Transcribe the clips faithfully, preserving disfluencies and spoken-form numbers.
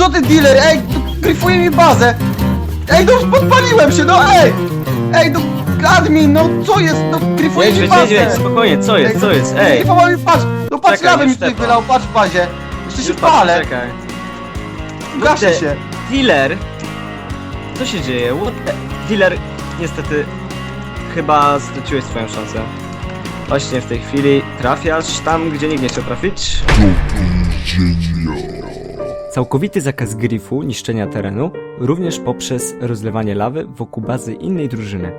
co ty dealer, ej, gryfuje mi bazę. Ej, no podpaliłem się, no ej! Ej, no admin, no co jest, no gryfuje mi Jedź, bazę. jedź, spokojnie, co jest, co jest, ej! Gryfował mi, patrz, no patrz, Czekaj, lawę mi już tutaj tepa. wylał, patrz w bazie. Jeszcze się Już patrz, palę, czekaj. gaszę Kurde. się. Dealer! Co się dzieje? What the... Dealer, niestety, chyba straciłeś swoją szansę. Właśnie w tej chwili trafiasz tam, gdzie nikt nie chciał trafić. Całkowity zakaz grifu, niszczenia terenu, również poprzez rozlewanie lawy wokół bazy innej drużyny.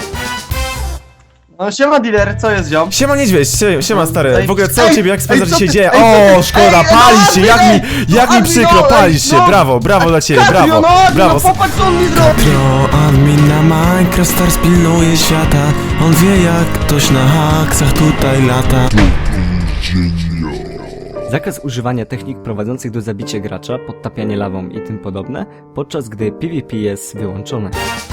No siema dealer, co jest ziom? Siema niedźwiedź, sie- siema stary, Ej, w ogóle co u ej, ciebie, jak ej, spędzasz co się ty- dzieje? ej, co O, ty- szkoda, ej, palisz się, no, jak Admin, mi, jak no, mi Admin, przykro, no, ej, palisz się, no. brawo, brawo dla ciebie, Katrio, brawo, no admin, brawo. no popatrz co on mi zrobił. Katrio, admin na Minecraft Stars pilnuje świata. On wie jak ktoś na haksach tutaj lata. Zakaz używania technik prowadzących do zabicia gracza, podtapianie lawą i tym podobne, podczas gdy PvP jest wyłączone.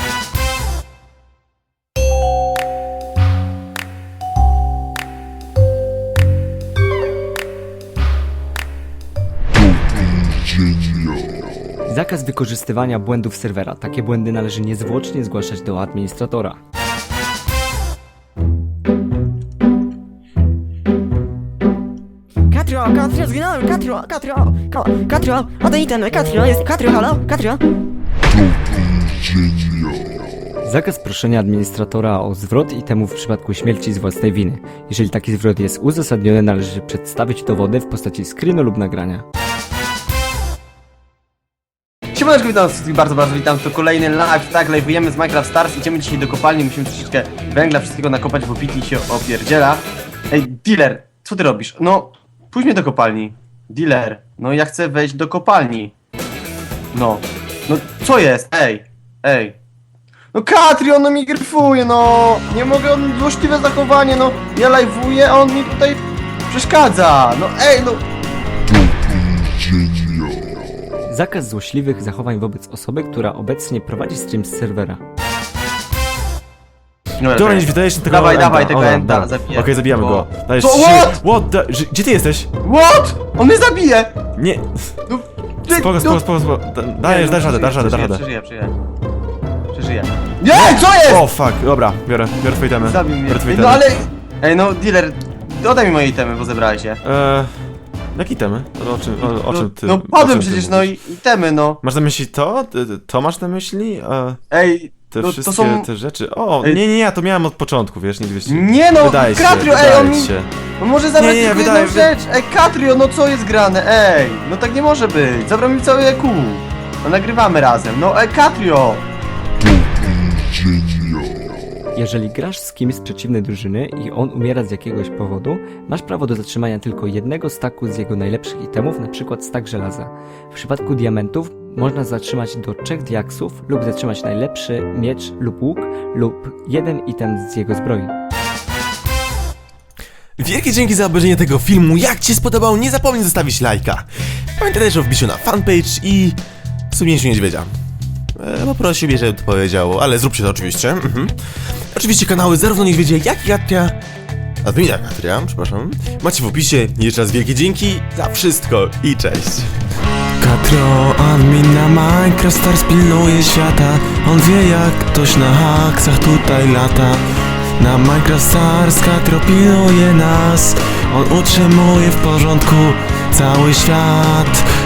Zakaz wykorzystywania błędów serwera. Takie błędy należy niezwłocznie zgłaszać do administratora. Katrio, Katrio, zginąłem, Katrio, Katrio, Ka- Katrio, oddaj ten, Katrio, jest, Katrio, halo, Katrio. Zakaz proszenia administratora o zwrot itemów w przypadku śmierci z własnej winy. Jeżeli taki zwrot jest uzasadniony, należy przedstawić dowody w postaci screenu lub nagrania. Siemaneczko, witam wszystkich bardzo, bardzo witam, to kolejny live, tak, live'ujemy z Minecraft Stars, idziemy dzisiaj do kopalni, musimy troszeczkę węgla, wszystkiego nakopać, bo Pity się opierdziela. Ej, dealer, co ty robisz? No, pójdź mnie do kopalni. Dealer, no ja chcę wejść do kopalni. No, no co jest? Ej, ej. No Katrio, on mi gryfuje, no, nie mogę, on złośliwe zachowanie, no, ja live'uję, a on mi tutaj przeszkadza, no ej, no. Zakaz złośliwych zachowań wobec osoby, która obecnie prowadzi stream z serwera. No, Dobra, niedźwiedź, dajesz tego Dawaj, enda. dawaj tego O, enda, dobra. zabijemy. Okej, zabijamy Bo- go. Dajesz Co? się- What? What the... Ż- Gdzie ty jesteś? What? On mnie zabije! Nie, No, ty, spoko, no- spoko, spoko, spoko. Da- Dajesz, dasz radę, dasz radę, dasz radę. Przeżyję, przeżyję. Przeżyję. Nie, co jest? O, fuck, dobra, biorę, biorę twoje itemy. Zabił mnie. Biorę twoje No itemy. ale... Ej, no dealer, oddaj mi moje itemy, bo zebrałeś je. Eee, jakie itemy? O, o czym, o, o czym ty... No, no o padłem czym ty przecież, no mówisz? i itemy, no. Masz na myśli to? Ty- ty- To masz na myśli? E, Ej, te no wszystkie to są... te rzeczy? O, Ej. nie, nie, ja to miałem od początku, wiesz, nigdy się... Nie no, Wydaje się, Katrio, ej, wydaje on mi... się. No może zabrać Nie, nie, tylko wydaje- jedną rzecz. Ej, Katrio, no co jest grane? Ej, no tak nie może być. Zabrał mi cały E Q. No nagrywamy razem. No ej, Katrio! Jeżeli grasz z kimś z przeciwnej drużyny i on umiera z jakiegoś powodu, masz prawo do zatrzymania tylko jednego staku z jego najlepszych itemów, np. stak żelaza. W przypadku diamentów można zatrzymać do trzech diaksów lub zatrzymać najlepszy miecz lub łuk lub jeden item z jego zbroi. Wielkie dzięki za obejrzenie tego filmu. Jak Ci się spodobał, nie zapomnij zostawić lajka. Pamiętaj też o wbiciu na fanpage i sumnięciu niedźwiedzia. E, poprosił mnie, żebym to powiedział, ale zróbcie to oczywiście. Mhm. Oczywiście kanały zarówno niedźwiedzia, jak i Katria. Admina Katria, przepraszam. Macie w opisie. Jeszcze raz wielkie dzięki za wszystko i cześć. Katrio, admin na Minecraft Stars pilnuje świata. On wie jak ktoś na haksach tutaj lata. Na Minecraft Stars Katrio pilnuje nas. On utrzymuje w porządku cały świat.